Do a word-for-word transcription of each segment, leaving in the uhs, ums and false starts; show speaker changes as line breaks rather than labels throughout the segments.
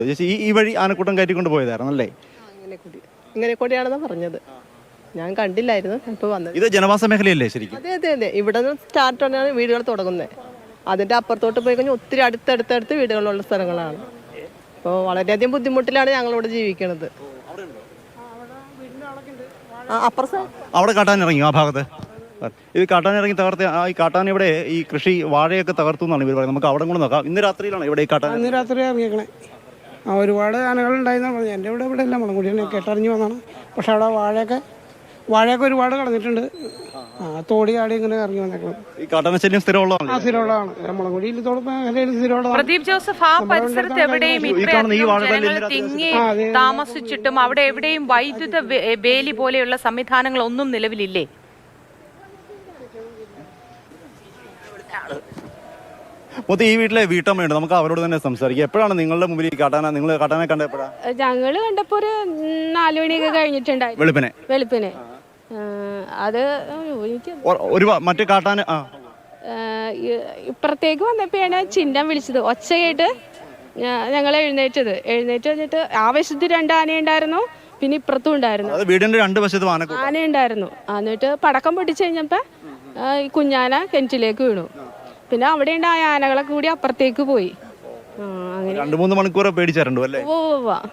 ചേച്ചി ഈ ഈ വഴി ആനക്കൂട്ടം കയറ്റിക്കൊണ്ട് പോയതായിരുന്നു അല്ലേ?
ഇങ്ങനെ കൂടി ഇങ്ങനെ കൂടിയാണെന്ന് പറഞ്ഞത്. ഞാൻ കണ്ടില്ലായിരുന്നു, ഇപ്പോൾ വന്നത്.
ഇത് ജനവാസ മേഖലയല്ലേ ശരിക്കും?
അതെ അതെ അതെ, ഇവിടെ നിന്ന് സ്റ്റാർട്ട് ആണ് വീടുകൾ തുടങ്ങുന്നത്. അതിൻ്റെ അപ്പുറത്തോട്ട് പോയി കഴിഞ്ഞാൽ ഒത്തിരി അടുത്തടുത്തടുത്ത് വീടുകളുള്ള സ്ഥലങ്ങളാണ്. അപ്പോൾ വളരെയധികം ബുദ്ധിമുട്ടിലാണ് ഞങ്ങളിവിടെ ജീവിക്കുന്നത്. അപ്പുറത്ത്
അവിടെ കാട്ടാൻ ഇറങ്ങി ആ ഭാഗത്ത് ഇത് കാട്ടാൻ ഇറങ്ങി തകർത്ത് ആ ഈ കാട്ടാൻ ഇവിടെ ഈ കൃഷി വാഴയൊക്കെ തകർത്തു എന്നാണ് ഇവർ പറയുന്നത്. നമുക്ക് അവിടെ കൂടെ നോക്കാം. ഇന്ന് രാത്രിയിലാണ് ഇവിടെ ഈ കാട്ടാൻ.
ഇന്ന് രാത്രി ഇറങ്ങിയേക്കണേ. ആ ഒരുപാട് ആനകളുണ്ടായിരുന്നു പറഞ്ഞു. എൻ്റെ ഇവിടെ ഇവിടെ എല്ലാം മുളങ്കുടിയാണ് കേട്ടറിഞ്ഞ് വന്നാണ്. പക്ഷെ അവിടെ വാഴയൊക്കെ വാഴയൊക്കെ ഒരുപാട് കളഞ്ഞിട്ടുണ്ട്. ആ തോടി ആടി ഇങ്ങനെ ഇറങ്ങി വന്നേക്കണം.
ഈ കാട്ടാനശല്യം സ്ഥിരമുള്ളതാണ്.
ആ സ്ഥിരമുള്ളതാണ്. മുളങ്കുടിയിൽ തോട് മേഖലയിൽ സ്ഥിരമുള്ളതാണ്.
പ്രദീപ് ജോസഫ്, ആ പരിസരത്ത് എവിടെയും ജനങ്ങൾ തിങ്ങി താമസിച്ചിട്ടും അവിടെ എവിടെയും വൈദ്യുത വേലി പോലെയുള്ള സംവിധാനങ്ങൾ ഒന്നും നിലവിലില്ലേ?
മൊത്തം ഈ വീട്ടിലെ വീട്ടമ്മയുണ്ട്. നമുക്ക് അവരോട് തന്നെ സംസാരിക്കാം. എപ്പോഴാണ് നിങ്ങളുടെ മുമ്പിൽ ഈ കാട്ടാന നിങ്ങൾ കാട്ടാനെ കണ്ട എപ്പോഴാണ്?
ഞങ്ങള് കണ്ടപ്പോ ഒരു നാലു മണിയൊക്കെ കഴിഞ്ഞിട്ടുണ്ടായിരുന്നു. വെളുപ്പിനെ വെളുപ്പിനെ അത് എനിക്ക്
ഒരു മറ്റേ കാട്ടാന
ഇപ്പുറത്തേക്ക് വന്നപ്പോഴാണ് ചിഹ്നം വിളിച്ചത്. ഒച്ച കേട്ട് ഞങ്ങൾ എഴുന്നേറ്റത്. എഴുന്നേറ്റ് വന്നിട്ട് ആ വശത്ത് രണ്ട് ആനയുണ്ടായിരുന്നു, പിന്നെ ഇപ്പുറത്തും ഉണ്ടായിരുന്നു.
വീടിന്റെ രണ്ട് വശത്തും
ആന ഉണ്ടായിരുന്നു. എന്നിട്ട് പടക്കം പൊട്ടിച്ചു കഴിഞ്ഞപ്പോ ഈ കുഞ്ഞാന കിണറ്റിലേക്ക് വീണു. പിന്നെ അവിടെ ഉണ്ടായ ആനകളൊക്കെ കൂടി അപ്പുറത്തേക്ക് പോയി. അങ്ങനെ
രണ്ടു മൂന്ന് മണിക്കൂർ പേടിച്ചാറുണ്ടോ അല്ലേ?
ഓ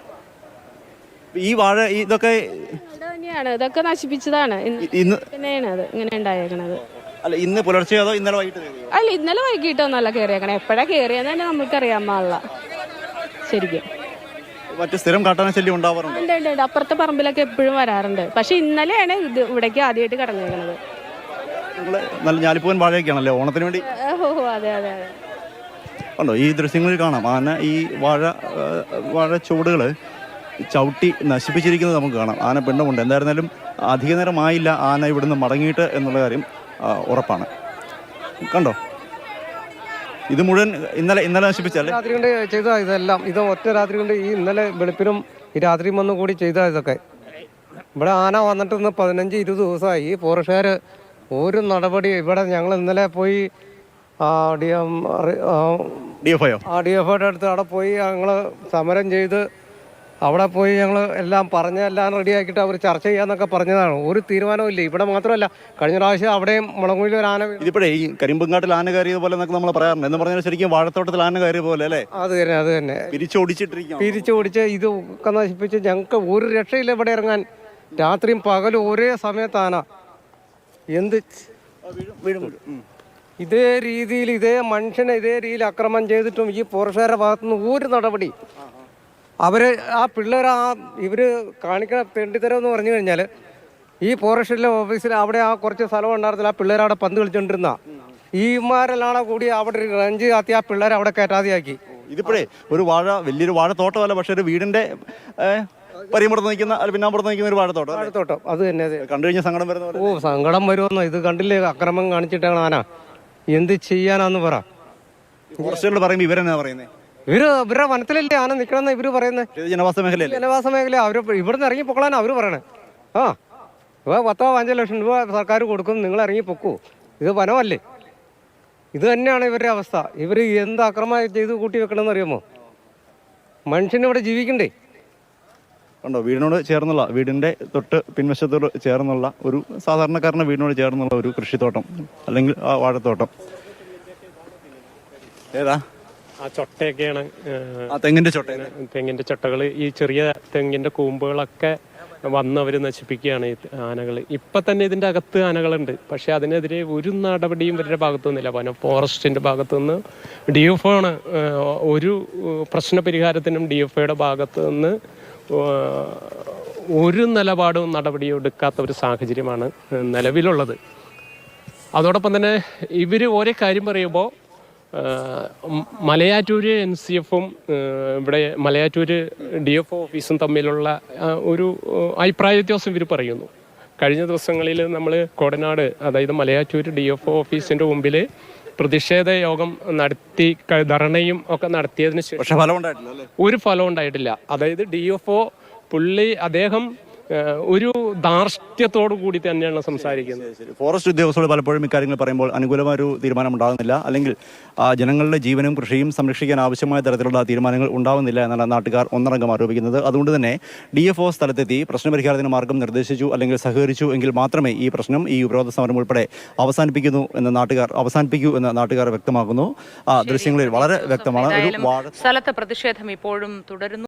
ഈ വാഴ ഇതൊക്കെ
തന്നെയാണ്, ഇതൊക്കെ നശിപ്പിച്ചതാണ്. പിന്നെയാണ് അത് ഇങ്ങനെ ഉണ്ടായേക്കണത്.
അല്ല ഇന്ന് പുലർച്ചെ അതോ ഇന്നലെ വൈകിട്ട്?
അല്ല ഇന്നലെ വൈകിട്ടൊന്നല്ല കയറിയേക്കണേ. എപ്പോഴാ കയറിയെന്ന് തന്നെ നമുക്കറിയാൻ പാടില്ല ശരിക്കും.
മറ്റു സ്ഥിരം കാട്ടാന ശല്യം ഉണ്ടാവാറുണ്ട്?
ഉണ്ട് ഉണ്ട് ഉണ്ട്. അപ്പുറത്തെ പറമ്പിലൊക്കെ എപ്പോഴും വരാറുണ്ട്. പക്ഷെ ഇന്നലെയാണ് ഇത് ഇവിടേക്ക് ആദ്യമായിട്ട് കടന്നേക്കണത്.
നല്ല ഞാലിപ്പൂവൻ വാഴയൊക്കെയാണല്ലേ ഓണത്തിന് വേണ്ടി?
ഓ അതെ അതെ അതെ.
ഉണ്ടോ ഈ ദൃശ്യങ്ങളിൽ കാണാം. ആന ഈ വാഴ വാഴ ചുവടുകൾ ചവിട്ടി നശിപ്പിച്ചിരിക്കുന്നത് നമുക്ക് കാണാം. ആന പിണ്ടമുണ്ട്. എന്തായിരുന്നാലും അധിക നേരമായില്ല ആന ഇവിടുന്ന് മടങ്ങിയിട്ട് എന്നുള്ള കാര്യം ഉറപ്പാണ്. കണ്ടോ ഇത് മുഴുവൻ ഇന്നലെ ഇന്നലെ നശിപ്പിച്ചല്ലേ?
രാത്രി കൊണ്ട് ചെയ്ത ഇതെല്ലാം ഇത് ഒറ്റ രാത്രി കൊണ്ട് ഈ ഇന്നലെ വെളുപ്പിനും ഈ രാത്രിയും വന്നും കൂടി ചെയ്ത ഇതൊക്കെ. ഇവിടെ ആന വന്നിട്ട് ഇന്ന് പതിനഞ്ച് ഇരുപത് ദിവസമായി. ഈ ഫോറസ്റ്റുകാർ ഒരു നടപടി ഇവിടെ ഞങ്ങൾ ഇന്നലെ പോയി D M
D F I
ആ ഡി എഫ് ഐയുടെ അടുത്ത് അവിടെ പോയി ഞങ്ങൾ സമരം ചെയ്ത് അവിടെ പോയി ഞങ്ങൾ എല്ലാം പറഞ്ഞ് എല്ലാം റെഡിയാക്കിയിട്ട് അവർ ചർച്ച ചെയ്യാന്നൊക്കെ പറഞ്ഞതാണ്. ഒരു തീരുമാനവും ഇല്ല. ഇവിടെ മാത്രമല്ല, കഴിഞ്ഞ പ്രാവശ്യം അവിടെയും മുളങ്കുഴിയിൽ ഒരു ആന.
ഇതിപ്പോഴേ ഈ കരിമ്പുങ്കാട്ടിൽ ആന കയറിയത് പോലെ എന്നൊക്കെ നമ്മൾ പറയാറുണ്ട്. എന്ന് പറഞ്ഞാൽ ശരിക്കും വാഴത്തോട്ടത്തിൽ ആന കയറിയ പോലെ അല്ലേ?
അത് തന്നെ അത് തന്നെ
പിരിച്ചോടിച്ചിട്ടിരിക്കും.
പിരിച്ചോടിച്ച് ഇത് ഒക്കെ നശിപ്പിച്ച് ഞങ്ങൾക്ക് ഒരു രക്ഷയില്ല ഇവിടെ ഇറങ്ങാൻ. രാത്രിയും പകലും ഒരേ സമയത്ത് ആന എന്ത് ഇതേ രീതിയിൽ ഇതേ മനുഷ്യനെ ഇതേ രീതിയിൽ അക്രമം ചെയ്തിട്ടും ഈ ഫോറസ്റ്റുകാരുടെ ഭാഗത്തുനിന്ന് ഒരു നടപടി. അവർ ആ പിള്ളേർ ആ ഇവർ കാണിക്കുന്ന തെണ്ടിത്തരം എന്ന് പറഞ്ഞു കഴിഞ്ഞാൽ ഈ ഫോറസ്റ്റിലെ ഓഫീസിൽ അവിടെ ആ കുറച്ച് സ്ഥലം ഉണ്ടായിരുന്നില്ല. ആ പിള്ളേർ അവിടെ പന്ത് കളിച്ചുകൊണ്ടിരുന്ന ഈമാരെല്ലാം കൂടി അവിടെ റഞ്ച് കാത്തി ആ പിള്ളേരെ അവിടെ കയറ്റാതെയാക്കി.
ഇതിപ്പോഴേ ഒരു വാഴ വലിയൊരു വാഴത്തോട്ടമല്ല, പക്ഷെ ഒരു വീടിന്റെ പരിമുറത്ത് നിൽക്കുന്ന പിന്നാമ്പുറത്ത് നിൽക്കുന്ന ഒരു വാഴത്തോട്ടം
വാഴത്തോട്ടം അത് തന്നെ. അത്
കണ്ടു കഴിഞ്ഞാൽ സങ്കടം വരുന്ന
ഓ സങ്കടം വരുമെന്നോ. ഇത് കണ്ടില്ലേ അക്രമം കാണിച്ചിട്ടാണ് ആന. എന്ത് ചെയ്യാനാന്ന് പറ.
ഫോറസ്റ്റുകൾ പറയുമ്പോൾ ഇവരെന്നാ പറയുന്നത്?
ഇവര് ഇവരുടെ വനത്തിലല്ലേ ആന നിൽക്കണമെന്ന് ഇവര് പറയുന്നത്.
ജനവാസ മേഖല
ജനവാസ മേഖല അവര് ഇവിടുന്ന് ഇറങ്ങി പൊക്കളാണ് അവര് പറയണേ. ആ ഇപ്പൊ പത്തോ അഞ്ചോ ലക്ഷം രൂപ സർക്കാർ കൊടുക്കും, നിങ്ങൾ ഇറങ്ങി പൊക്കൂ. ഇത് വനമല്ലേ? ഇത് തന്നെയാണ് ഇവരുടെ അവസ്ഥ. ഇവർ എന്ത് അക്രമം ചെയ്ത് കൂട്ടി വെക്കണമെന്ന് അറിയാമോ? മനുഷ്യനിവിടെ ജീവിക്കണ്ടേ?
ഉണ്ടോ വീടിനോട് ചേർന്നുള്ള വീടിന്റെ തൊട്ട് പിൻവശത്തോട് ചേർന്നുള്ള ഒരു സാധാരണക്കാരന്റെ വീടിനോട് ചേർന്നുള്ള ഒരു കൃഷിത്തോട്ടം അല്ലെങ്കിൽ ആ വാഴത്തോട്ടം ഏതാ?
ആ ചൊട്ടയൊക്കെയാണ്.
തെങ്ങിന്റെ ചൊട്ട
തെങ്ങിന്റെ ചൊട്ടകൾ ഈ ചെറിയ തെങ്ങിന്റെ കൂമ്പുകളൊക്കെ വന്ന് അവർ നശിപ്പിക്കുകയാണ് ഈ ആനകൾ. ഇപ്പം തന്നെ ഇതിൻ്റെ അകത്ത് ആനകളുണ്ട്. പക്ഷേ അതിനെതിരെ ഒരു നടപടിയും ഇവരുടെ ഭാഗത്തുനിന്നില്ല. വനം ഫോറസ്റ്റിൻ്റെ ഭാഗത്തുനിന്ന് ഡി എഫ് ആണ് ഒരു പ്രശ്ന പരിഹാരത്തിനും ഡി എഫ് ഐയുടെ ഭാഗത്തു നിന്ന് ഒരു നിലപാടും നടപടിയും എടുക്കാത്ത ഒരു സാഹചര്യമാണ് നിലവിലുള്ളത്. അതോടൊപ്പം തന്നെ ഇവർ ഓരോ കാര്യം പറയുമ്പോൾ മലയാറ്റൂര് എൻ സി എഫും ഇവിടെ മലയാറ്റൂര് ഡി എഫ് ഓഫീസും തമ്മിലുള്ള ഒരു അഭിപ്രായ വ്യത്യാസം ഇവർ പറയുന്നു. കഴിഞ്ഞ ദിവസങ്ങളിൽ നമ്മൾ കോടനാട് അതായത് മലയാറ്റൂര് ഡി എഫ് ഓഫീസിൻ്റെ മുമ്പിൽ പ്രതിഷേധ യോഗം നടത്തി ധർണയും ഒക്കെ നടത്തിയതിന് ശേഷം ഒരു ഫലം ഉണ്ടായിട്ടില്ല. അതായത് ഡി എഫ് ഒ പുള്ളി അദ്ദേഹം ഏഹ്, ഒരു ധാർഷ്ട്യത്തോടു കൂടി തന്നെയാണ് സംസാരിക്കുന്നത്.
ഫോറസ്റ്റ് ഉദ്യോഗസ്ഥരോട് പലപ്പോഴും ഇക്കാര്യങ്ങൾ പറയുമ്പോൾ അനുകൂലമായ ഒരു തീരുമാനം ഉണ്ടാകുന്നില്ല, അല്ലെങ്കിൽ ആ, ജനങ്ങളുടെ ജീവനും കൃഷിയും സംരക്ഷിക്കാൻ ആവശ്യമായ തരത്തിലുള്ള തീരുമാനങ്ങൾ ഉണ്ടാവുന്നില്ല എന്നാണ് നാട്ടുകാർ ഒന്നടങ്കം ആരോപിക്കുന്നത്. അതുകൊണ്ട് തന്നെ ഡി എഫ് ഒ സ്ഥലത്തെത്തി പ്രശ്നപരിഹാരത്തിന് മാർഗം നിർദ്ദേശിച്ചു അല്ലെങ്കിൽ സഹകരിച്ചു എങ്കിൽ മാത്രമേ ഈ പ്രശ്നം, ഈ ഉപരോധ സമരം ഉൾപ്പെടെ അവസാനിപ്പിക്കുന്നു എന്ന് നാട്ടുകാർ അവസാനിപ്പിക്കൂ എന്ന് നാട്ടുകാർ വ്യക്തമാക്കുന്നു. ആ ദൃശ്യങ്ങളിൽ വളരെ വ്യക്തമാണ്. ഒരു വാർഡ്
സ്ഥലത്ത് പ്രതിഷേധം ഇപ്പോഴും തുടരുന്നു.